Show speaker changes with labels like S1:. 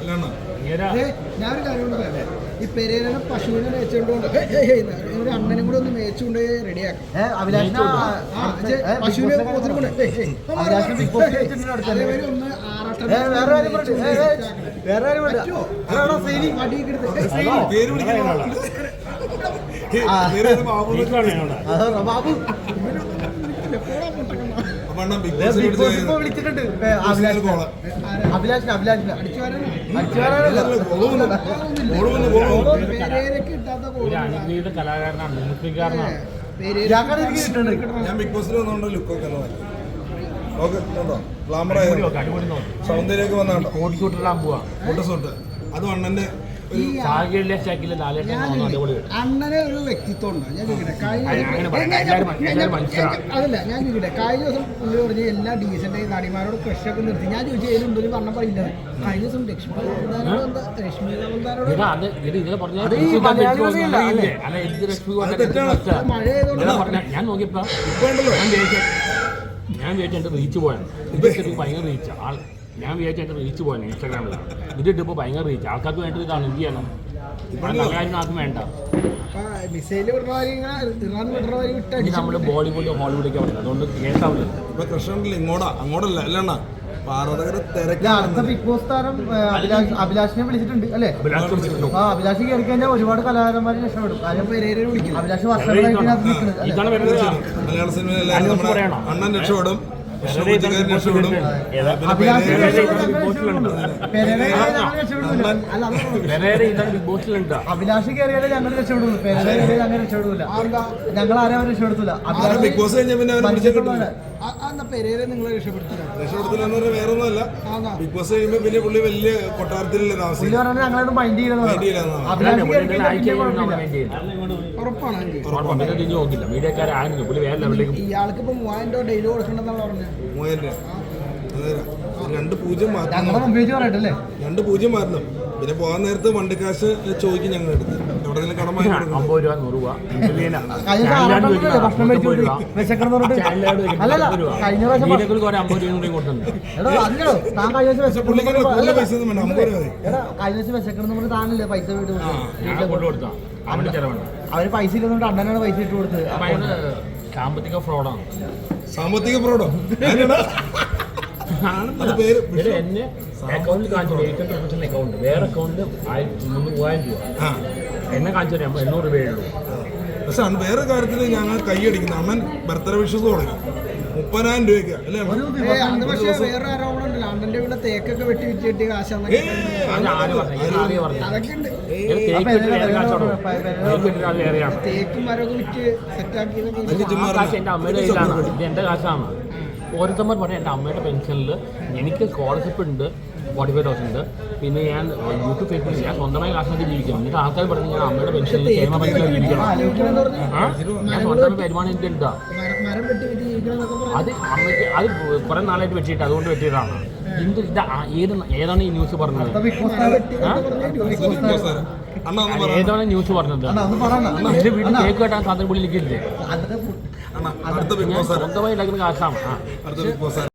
S1: ഞാനൊരു കാര്യം കൊണ്ട് പറയാം, ഈ പെരേരനെ പശുവിനെ മേച്ചുകൊണ്ട് ഒരു അണ്ണനും കൂടെ ഒന്ന് മേച്ചുകൊണ്ട് റെഡിയാക്കാം. പശുവിനെ ഒന്ന്
S2: വിളിച്ചിട്ടുണ്ട്
S3: കലാകാരനാണ്, മിമിക്രിക്കാരനാണ്.
S4: ഞാൻ ബിഗ് ബോസിൽ വന്നോണ്ട് ലുക്കൊക്കെ ഗ്ലാമറായ സൗന്ദര്യമൊക്കെ വന്നാണ്ടോ ഫോട്ടോസൂട്ട് അത് അണ്ണന്റെ
S1: അണ്ണനെ ഒരു വ്യക്തിത്വം ഉണ്ട്. ഞാൻ ചോദിക്കട്ടെ, അതല്ല ഞാൻ ചോദിക്കട്ടെ, കഴിഞ്ഞ ദിവസം പുള്ളി പറഞ്ഞ എല്ലാ ഡീസന്റായി നടിമാരോട് ക്രഷൊക്കെ നിർത്തി. ഞാൻ ചോദിച്ചു ഏതുണ്ട് ഒരു വണ്ണം പറയില്ല. കഴിഞ്ഞ ദിവസം ലക്ഷ്മി
S3: ഞാൻ നോക്കിയപ്പോ ഞാൻ വിചാരിച്ചു എന്റെ റീച്ച് പോയാണ്. ഭയങ്കര റീച്ച് ആൾ. ഞാൻ വിചാരിച്ചു എന്റെ റീച്ച് പോയാണ് ഇൻസ്റ്റാഗ്രാമിലാണ്. ഇതിട്ടിപ്പോ ഭയങ്കര റീച്ച്. ആൾക്കാർക്ക് വേണ്ടത് ഇതാണ്. എന്ത് ചെയ്യണം? നല്ല കാര്യം ആർക്കും വേണ്ട. നമ്മള് ബോളിവുഡ് ഹോളിവുഡൊക്കെ പറയുന്നത്, അതുകൊണ്ട് കേസാവില്ല.
S4: ഇപ്പൊ കൃഷ്ണനിൽ അങ്ങോട്ടല്ല അല്ലണ്ണ
S2: അടുത്ത ബിഗ് ബോസ് താരം അഭിലാഷിനെ വിളിച്ചിട്ടുണ്ട് അല്ലേ? അഭിലാഷ് കയറി കഴിഞ്ഞാൽ ഒരുപാട് കലാകാരന്മാരെ രക്ഷപ്പെടും. അഭിലാഷ് വർഷങ്ങളായിട്ട്
S4: മലയാള സിനിമയിൽ എല്ലാവരും അണ്ണൻ രക്ഷപ്പെടും.
S2: അഭിലാഷ് കയറിയാലേ ഞങ്ങൾ രക്ഷപ്പെടുള്ളൂ. ഞങ്ങൾ രക്ഷപ്പെടൂല. ഞങ്ങൾ ആരും രക്ഷപ്പെടുത്തില്ല.
S4: ബിഗ് ബോസ് കഴിഞ്ഞാൽ പിന്നെ
S1: രക്ഷപ്പെടുത്തില്ല
S4: വേറൊന്നുമല്ല. ബിഗ് ബോസ് കഴിയുമ്പോ പിന്നെ പുള്ളി വലിയ കൊട്ടാരത്തിലല്ലേ താമസിക്കും.
S2: ഞങ്ങളോട് മൈൻഡ് ചെയ്യുന്നത്
S1: ഇയാൾക്ക് ഇപ്പൊ 3000 ഡെയിലി കൊടുക്കണ്ടെന്നാണ് പറഞ്ഞത്.
S4: 2-0 മാറണം. പിന്നെ പോകാൻ നേരത്ത് വണ്ടിക്കാശ് ചോദിക്കും ഞങ്ങൾ എടുത്ത് എവിടെയെങ്കിലും കടം വാങ്ങി കൊടുക്കണം.
S3: 50 രൂപ 100 രൂപ
S2: അവര് പൈസ ഇല്ലെന്നുകൊണ്ട് അണ്ണനാണ് പൈസ ഇട്ട് കൊടുത്തത്.
S3: സാമ്പത്തിക ഫ്രോഡാണ്.
S4: സാമ്പത്തിക ഫ്രോഡോ?
S3: എന്നെ അക്കൗണ്ടിൽ കാണിച്ചു 800 അക്കൗണ്ട്, വേറെ അക്കൗണ്ട് 3000 രൂപ എന്നെ കാണിച്ചു 800 രൂപയുള്ളൂ.
S4: പക്ഷെ വേറെ കാര്യത്തിൽ ഞങ്ങൾ കൈയടിക്കുന്നു. അണ്ണൻ ബർത്ത്ഡേ വിഷസ് തുടങ്ങി 30,000 രൂപയ്ക്ക് അല്ലേ?
S1: പക്ഷേ വേറെ ആരോപണം ഉണ്ടല്ലോ, അണ്ണന്റെ വീട്ടിലെ തേക്കൊക്കെ വെട്ടി വിറ്റിട്ട് കാശാന്നൊക്കെ. തേക്കും മരമൊക്കെ വിറ്റ് സെറ്റാക്കിയതൊക്കെ
S3: എന്റെ അമ്മയുടെ കയ്യിലാണ്. ഇത് എന്റെ കാശാണ്. ഓരോരുത്തന്മാർ പറഞ്ഞ എൻ്റെ അമ്മയുടെ പെൻഷനിൽ എനിക്ക് സ്കോളർഷിപ്പ് ഉണ്ട് 45,000 ഉണ്ട്. പിന്നെ ഞാൻ യൂട്യൂബ് ഫേസ്ബുക്കിൽ ഞാൻ സ്വന്തമായി കാശാക്കി ജീവിക്കണം. എന്നിട്ട് ആൾക്കാർ പറഞ്ഞ് ഞാൻ അമ്മയുടെ പെൻഷനിൽ ക്ഷേമ പെൻഷനിൽ ജീവിക്കണം. ഞാൻ സ്വന്തമായി വരുമാനം എനിക്ക് ഉണ്ടാ. അത് അമ്മയ്ക്ക് അത് കുറെ നാളായിട്ട് വെട്ടിയിട്ട് അതുകൊണ്ട് വെട്ടിയതാണ്. ഏതാണ് ഈ ന്യൂസ് പറഞ്ഞത്? ഏതാണ് ന്യൂസ് പറഞ്ഞത്? എന്റെ വീട്ടിൽ കേക്ക് കെട്ടാൻ സാധനം പുള്ളി എനിക്കില്ലേ? സ്വന്തമായി ഉണ്ടാക്കുന്ന കാശാണ്.